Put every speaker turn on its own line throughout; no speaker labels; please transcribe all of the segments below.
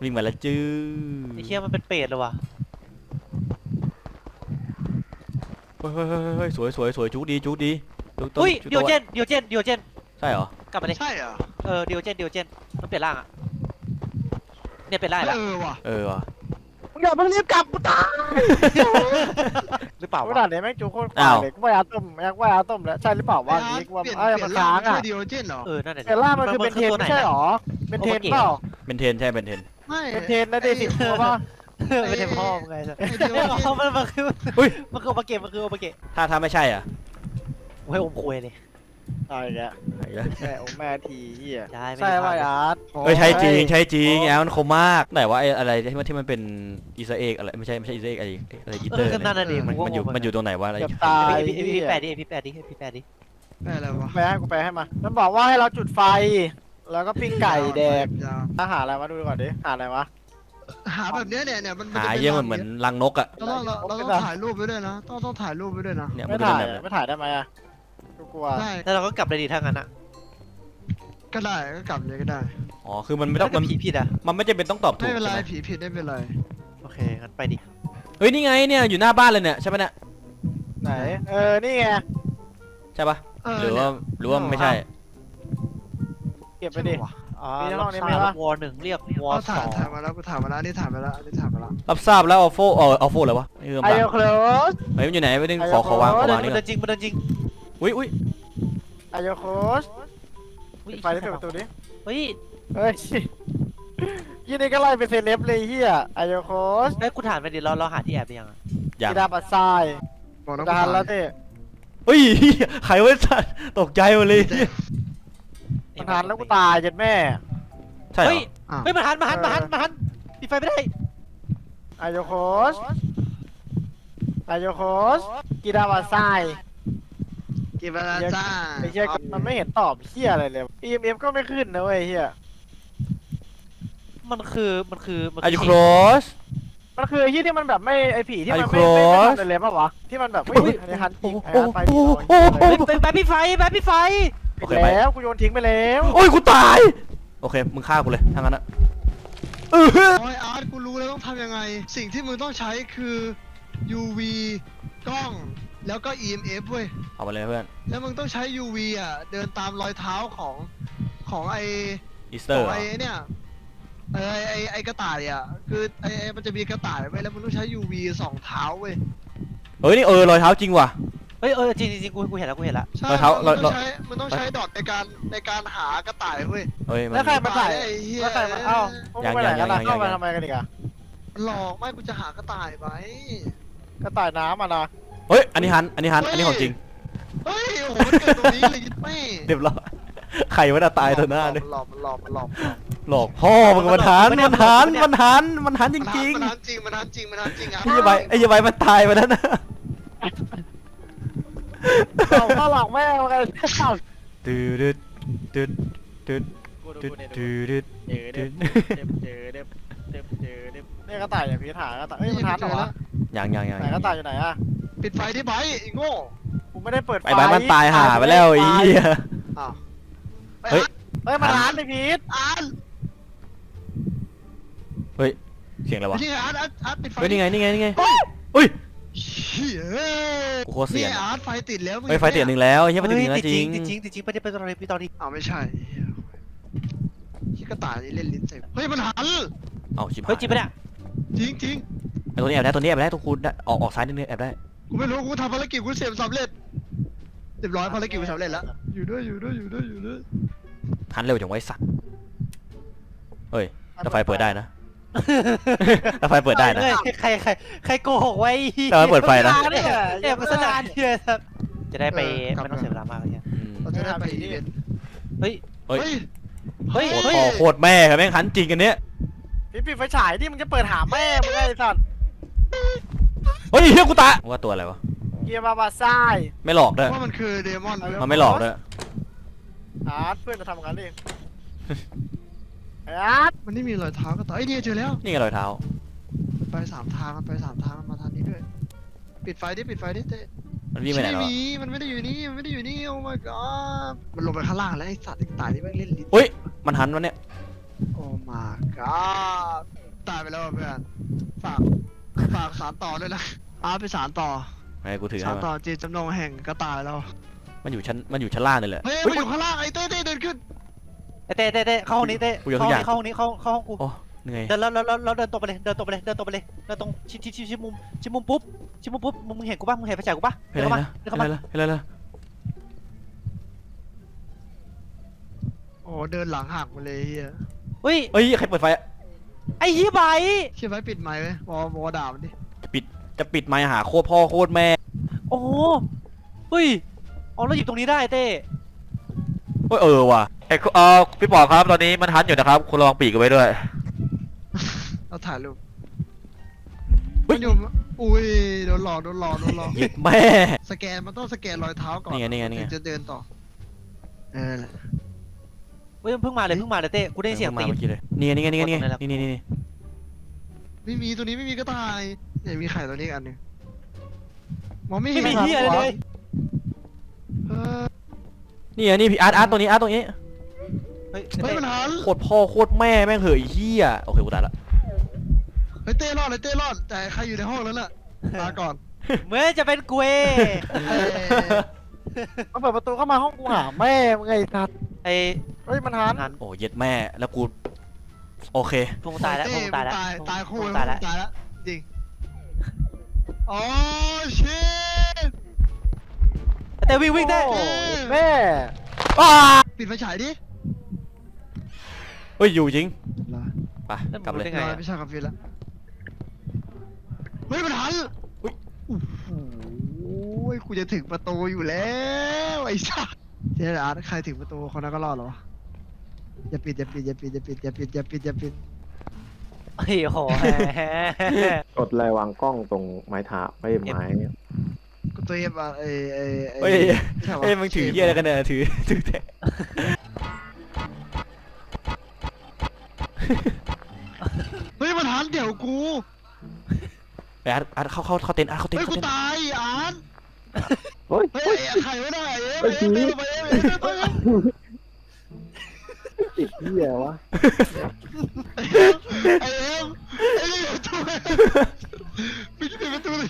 วิ่งมาแล้วจื้อ
ไอ้เชี่ยมันเป็นเป็ดเลยวะ
เฮ้ยสวยจุกดีจุกต้น
อุ้ย
จุก
เดียว
ตัว
เจน
ใช่เหรอก
ลับมาดิ
ใช่เหรอ
เดียวเจนมันเปลี่ยนร่างอ่ะเนี่ยเปลี่ยนร่างแล้ว
ว่ะ
มึงอย่าเพิ่งรีบกลับกูตาย
หรือเปล่า
กู
วะ
ด่าเนี่ยแม่งจูโคตรควายเลยกูว่าอาต้มแม่งว่าอาต้มแล้วใช่หรือเปล่าว่านี้กูว่า
เปลี่ยน
มันค้างอ่ะ
เดียวเจนเหรอ
นั่นแหละ
แต่ล่ามันคือเป็นเทนไม่ใช่หรอเป็นเทนเปล่า
เป็นเทนใช่เป็นเทน
ไม่
เป็นเทนนะเดซิตัวป่ะ
ไม่ใช่พ่อมึงไงสัส
เดียวเจน
มันคือ
อุ้ย
มันคือโอปาเกะ
ถ้าไม่ใช่อ่ะ
โอ้ยอมคุยเลย
ตายแก
ไอ้ละ
แม่โอ้แม่ทีเหี้ย
ใช่
ใช่ป่ะอาร์ต
เฮ้ยใช่จริงแอลมันคมมากไหนว่าไอ้อะไรที่มันเป็นอีสเอ็กอะไรไม่ใช่อีสเอ็กอะไรอีเตอร์
นั่นน่ะดิ
มันอยู่ตรงไหนวะอะไร
เกือบตาย
พี่แปดดิ
แม่อะไรวะ
กูแปลให้มามันบอกว่าให้เราจุดไฟ แล้วก็ปิ้งไก่แดกอาหารอะไรวะดูก่อนดิหาอะไรวะ
หาแบบเนี้ยเนี่ยมัน
หาเยี่ยเหมือนรังนกอ่ะ
เราต้องถ่ายรูปไว้ด้วยนะต้องถ่ายรูปไว้ด้วยนะ
เนี่ย
ไม่
มัน
ถ่าย
เป็นแบบ
ไม่ถ่ายได้ไหมอะกูกลัว
ได้
แล้วเราก็กลับเลยดิถ้างั้นอ่ะ
ก็ได้ก็กลับเลยก็ได้
อ๋อคือมันไม่ต้องมัน
ผีผิดอ่ะ
มันไม่จำเป็นต้องตอบถู
ไม่
ก
เป็นไร
ใช่ไหม
ผีผิดไม่เป็นไร
โอเคงั้นไปดิ
เฮ้ยนี่ไงเนี่ยอยู่หน้าบ้านเลยเนี่ยใช่ไหมเนี่ย
ไหนนี่ไง
ใช่ปะหรือว่าไม่ใช่
เก็บไปดิ
อ๋อ
มีในห้
ล็
อ
อง ก
นี้
ซ่า
ไหมวะ
วอร์หนึ่งเรียกวอ
ก็
ร์สอง
ถ่ายมาแล้วกูถ่ายมาแล้วนี่ถ่ายมาแล้วนี่ถ่ายมาแล้ว
รับทราบแล้วอัลโฟอะไรวะนี่คือ
ไอ
บ้า
โอโคลส
เฮ้ยมันอยู่ไหนไม่ได้
ไอ้
ขอวาง
โอ้
ขอ
โห
วางนี่
มัน
ก่
เดิ
อน
นจริงมันเดินจริง
อุ้ย
ไอโอโคสปิดไฟได้เปิดประตูดิ
เฮ้ย
เฮ้ยยี่นี่ก็ไล่เป็นเซเลบเลยเฮียไอโอโคส
เฮ้ยกูถามไปดิเราหาที่แอบได้ยังอ่ะ
อย่าง
กีดาปัสไซ
บอกน้อง
ดานแล้วเต้
เฮ้ยใครวะสัตว์ตกใจหมดเลย
มันทานแล้วกูตายเจ็ดแม่
ใช่เหร
เฮ้
อย
เฮ้ยมันหันปิดไฟไม่ได้
ไอโอโคสไอโอโคสกีดาปัสไซ
กี่เวลาจ้า
ไอเฮียมันไม่เห็นตอบเฮียอะไรเลย EMF ก็ไม่ขึ้นนะเว้ยเฮีย
มันคือ
อายุโครส
มันคือเฮียที่มันแบบไม่ไอผีที่มัน
ไอ้
ไม่
cross
ทำเลยป่ะวะที่มันแบบอุ้ยอันนี้ฮันจริงไอ้ฮันไปดิ
เป็นแบบพี่ไฟ
โอเค
ไป
ไป
แล้วกูโยนทิ้งไปแล้ว
โอ้ยกูตาย โอเคมึงฆ่ากูเลยทั้งนั้นอะ
โอ้ยอาร์ตกูรู้แล้วต้องทำยังไง สิ่งที่มึงต้องใช้คือ UV กล้องแล้วก็ EMF เว้ย
เอามาเลยเพื่อน
แล้วมึงต้องใช้ UV อ่ะเดินตามรอยเท้าของไอ
อีสเต
ข
อ
อ
ร์
งไอเนี่ยไอกระต่ายอ่ะคือไอมันจะมีกระต่ายไว้แล้วมึงต้องใช้ UV ส่องเท้าเว้ย
เฮ้ยนี่รอยเท้าจริงว่ะ
เฮ้ยจริงกูเห็นแล้ว
ใช่
รอยเท้า
มึงต้องใช้ดอทในการหากระต่ายเว้ย
เฮ้ยมัน
แล้วใครมาถ่าย
ไอ้เหี้ย
แล้วใครมาเอ้าพวกมึงไปไหนกันล่ะเข้ามาทำไมกันอีกอะ
หลอกไม่กูจะหากระต่ายไว้
กระต่ายน้ำอ่ะนะ
เฮ้ยอันนี้ของจริง
เฮ้ยโอ้โหมันเกิดตรงนี้เลยยิ่งแม่
เรียบร้อยใครวะน่ะตายต่อหน้าเลย
หลอก
หลอกพ่อมึงมันหันจริง
มันหันจริงอ่ะ
ๆไอ้ยาใบมันตายไปแล้วนะ
เอาข้าหลอกแม่มากัน
ตืดตืดตืดตืดตืดตืด
นี่กระต่ายอย่างพีถากระต่ายเอ้ยมันทันเหรอวะ
ยัง
ไหนกระต่ายอยู่ไหนอะ
ปิดไฟที่ไบไอ้โง่
กูไม่ได้เปิดไฟ
ไอ้ใบมันตายห่าไปแล้วไอ้เหี้ย
อ้าว
เฮ้ย
เฮ้ยมันทันไอ้พีท
อาร์ต
เฮ้ยเสียงอะไรวะ
นี่ไงอาร์ตปิดไฟ
เฮ้ยนี่ไงอุ้ย
เฮ้ย
กูโคตรเสีย
นี่อาร์ตไฟติดแล้ว
เฮ้ยไฟเตียนหนึ่งแล้วเฮ้ยไฟเตียนหนึ่งแล้วจริง
จริงไปตอนนี้
อ้าวไม่ใช่ที่กระต่ายนี่เล่นลิ้นใส่เฮ้ยมันหัน
เอาชิบหาย
เฮ้ยจริงปะเนี่ย
จริง
ไอ้ตัวนี้แอบได้ตัวคุณออกซ้ายนิดนึงแอบได้
กูไม่รู้กูทำภารกิจกูเสร็จสำเร็จเรียบร้อยภารกิจกูสำเร็จแล้วอยู่ด้วย
หันเร็วจังไว้สัตว์เฮ้ยแต่ไฟเปิดได้นะแต่ไฟเปิดได้นะ
ใครโกหกไว้
แต่มันเปิดไฟนะ
แอบโฆษณาเนี่ยจะได้ไปไม่ต้องเสียเวลามากเลย
เราจะได้ไปอีเวนต์
เฮ้ย
เฮ้ย
เฮ้ย
โคตรพ่อโคตรแม่ครับแม่งหันจริงกันเนี้ย
พีทปิดไฟฉายที่มึงจะเปิดหาแม่มึงไอ้สัตว์
เฮ้ยเฮียกูตาว่าตัวอะไรวะ
เกียร์มาบาไซ
ไม่หลอกด้วย
ว่ามันคือเดมอน
มันไม่หลอกด้วย
อาร์ตเพื่อนจะทำกันดิอาร์ต
มันไม่มีรอยเท้ากระต่ายไอ้เนี่ยเจอแล้ว
นี่ไงรอยเท้า
มันไป3 ทางมันมาทางนี้ด้วยปิดไฟดิเต้
มันวิ่งไปไหนแล้ว
มันไม่ได้อยู่นี่โอ้ my god มันลงไปข้างล่างแล้วไอ้สัตว์ไอ้ตายที่แม่งเล่นลิ้น
เฮ้ยมันหันวะเนี่ย
โอ้ my god แล้วเพื่อนฝากสารต่อด้วยนะอาร์ตไปสารต่อ
ไงกูถือ
สา
ให้
ร
มา
ต่อเจตจำนงแห่งกระต่ายแล้ว
มันอยู่ชั้นล่างนี่แหละ
เฮ้ย
เฮ้
มัน
ย
อยู่ข้างล่างไอ้เต้เดินขึ้น
ไอ้เต้เข้าห้องนี้เต้
กูยกทุ
เข้าก
อย่าง
ห้องนี้เข้าห้องกู
โอ้เหนื่อย
เดินแล้วเดินตรงไปเลยเดินตรงไปเลยเดินตรงชิดมุมปุ๊บมึงเห็นกูป่ะมึงเห็นไฟฉายกูป่ะ
เฮ้ย
เดิน
อะไร
เข้ามา
นะ
เดินเข้ามา
เฮ้ยอะไรนะ
โอ้เดินหลังหักมาเลยเฮีย
เฮ้ย
เอ้ยใครเปิดไฟอะ
ไอ้ยี่ใบ
เชื่อไว้ปิดไมค์ไว้วอด่ามันดิ
จะปิดไมค์หาโคตรพ่อโคตรแม่
โอ้เฮ้ยเอาแล้วหยิบตรงนี้ได้เต้
เฮ้ยว่ะพี่ปอครับตอนนี้มันทันอยู่นะครับคุณระวังปีกกันไว้ด้วย
เราถ่ายรูป
เฮ้ย
มันอยู่อุ้ยโดนหลอก
หยิบแม่
สแกนมันต้องสแกนรอยเท้าก่อน
นี่ไง
ถึงจะเดินต่อเออ
เฮ้ยเพิ่งมาเลยเต้กูได้เสียงตีน
เมื่อกี้เลยนี่ไงนี่
ไม่มีตัวนี้ไม่มีก็ตายเนี่ยมีไข่ตัวนี้อีกอันหนึงมองไม่เห็
ไม่
น
มีเฮียอะไรเลย
เออ
นี่พี่อาร์ตตรงนี้
เฮ้ย
เฮ้ยมันหัน
โคตรพ่อโคตรแม่แม่งเหยเหี้ยโอเคกูตายละ
เฮ้ยเต้รอดแต่ใครอยู่ในห้องแล้วล่ะลาก่อน
เหมื่อนจะเป็นกู
เอ้ย
มันเปิดประตูเข้ามาห้องกูหาแม่มึงไงสัตว์
ไอ้
เฮ้ยมันหัน
หัน
โอ้เย็ดแม่แล้วกูโอเค
พวกมึงตายแล้วพวกมึงตายแล้ว
ตายคู่
พวกมึง
ตา
ตาย ย
แล้
แล้ว ว
จริงอ๋อชิต
เต้วิ่งได้
โอ้แม่
ปิดไฟฉายดิ
เฮ้ยอยู่จริง
ลา
ไปกลับเลย
ได้ไง
ไม่ใช่คาเฟ่แล้วเฮ้ยมันหัน
อุ๊ย
โอ้โหกูจะถึงประตูอยู่แล้วไอ้สัสเจ๊อาร์ตใครถึงประตูคนนั้นก็รอดเหรอวะอย่าปิด
ไอ้โห
กดอะไรวางกล้องตรงไม้เท้าไม่ไม้
กูตัวเอฟอ่ะ
เฮ้ย
ใช่ปะ
เอ้ยมึงถือเหี้ยอะไรกันเนี่ยถือแทะ
เฮ้ยมันหันเดี๋ยวกู
ไปอาร์ตเข้าเต็นท์อาร์ตเข้าเต็น
เฮ้ย
ท์
กูตายอาร์ต
เฮ้ย
เฮ้ยใครไม่ได้เอฟเดินไปเอฟ
ติดเหี้ยวะ
ไอเอ็มไอ้นี่ประตูไม่ใช่ประตูเลย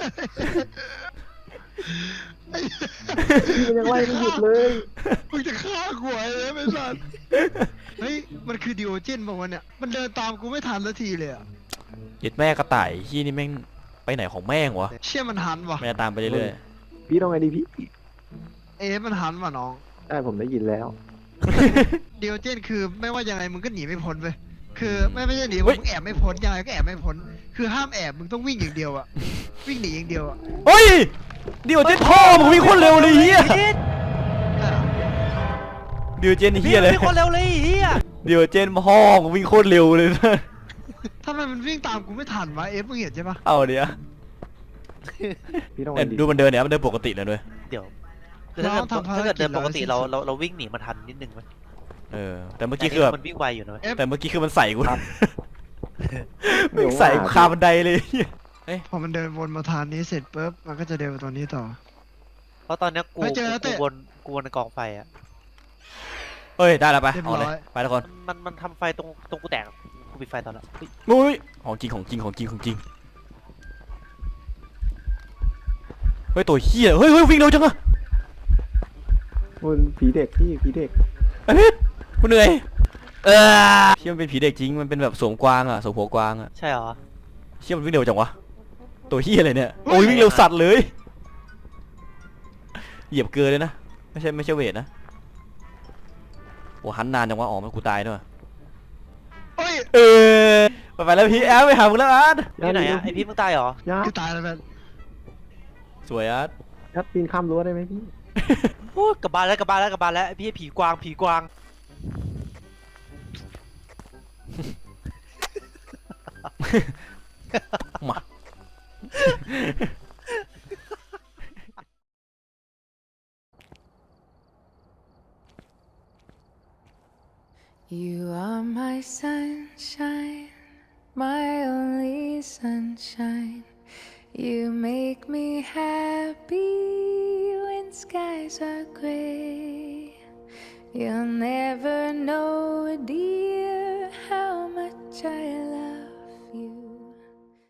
มันยังไล่ไม่หยุดเลย
มึงจะฆ่ากูไอ้เอ็มไอ้สัสเฮ้ยมันคือดิโอเจนบอกว่าเนี่ยมันเดินตามกูไม่ทันสักทีเลยอ่ะ
เย็ดแม่กระต่ายที่นี่แม่งไปไหนของแม่งวะ
เชี่ยมันหันว่ะ
แม่ตามไปเรื่อย
พี่ต้องไงดีพี่
เอ็มมันหันว่ะน้อง
ได้ผมได้ยินแล้ว
ดิโอเจนคือไม่ว่ายังไงมึงก็หนีไม่พ้นไปคือไม่ใช่หนีมึงแอบไม่พ้นยังไงก็แอบไม่พ้นคือห้ามแอบมึงต้องวิ่งอย่างเดียวอ่ะวิ่งหนีอย่างเดียวอ่ะ
ๆเฮ้ยเดี๋ยวเจนพ่อมึงวิ่งโคตรเร็วเลยเฮียเดี๋ยวเจนเฮียเลย
มีคนเร็วเลยเฮีย
เดี๋ยวเจนพ่อมึงวิ่งโคตรเร็วเลยนะ
ทำไมมันวิ่งตามกูไม่ทันวะเอฟมึงเห็นใช่ปะ
เอาเดี๋ยว
พี่ต้องไง
เนี่ย
ดี
ดูมันเดินเนี่ยมันเดินปกติเลยด้วย
เดี๋ยวถ้าเกิดเดินปกติเราวิ่งหนีมันทันนิดนึงไหม
แต่เมื่อกี้คือแบบ
มันวิ่งไวอยู่นะ
แต่เมื่อกี้คือมันใส่กูมันใส่กูคาบันไดเลย
พอมันเดินวนมาทางนี้เสร็จปุ๊บมันก็จะเดินไปตรงนี้ต่อ
เพราะตอนนี้กู
เฮ้ยเจอแล้วเต้
กูวนในกองไฟอ่ะ
เฮ้ยได้แล้วไป
เรียบ
เอา
ร้
เล
อย
ยไปทุกคน
มันทำไฟตรงกูแตกกูปิดไฟตอนละ
อุ้ยของจริงเฮ้ยตัวเฮียเฮ้ยวิ่งเร็วจังอะ
มันผีเด็กพี่ผีเด็ก
ไอ้เพชรกูเหนื่อยเชี่ยมันเป็นผีเด็กจริงมันเป็นแบบสวมกวางอะสวมหัวกวางอะ
ใช่เหรอ
เชี่ยมันวิ่งเร็วจังวะตัวเฮียอะไรเนี่ยโอ้ยวิ่งเร็วสัตว์เลยเหยียบเกลือเลยนะไม่ใช่เวทนะโอ้หันนานจังวะอ๋อมันกูตายด้วย
เฮ้ย
ไปแล้วพี่แอลไปหามึงแล้วอาร์ต
ที่ไหนอ่ะไอพี่มึงตายเหรอ
ยัด
คือตายแล้วแมน
สวยอาร์ต
ยัดปีนข้ามรั้วได้ไหมพี่
โอ้ยกลับบ้านแล้วพี่ผีกวาง
มา
You are my sunshine, my only sunshine. You make me happy when skies are gray. You'll never know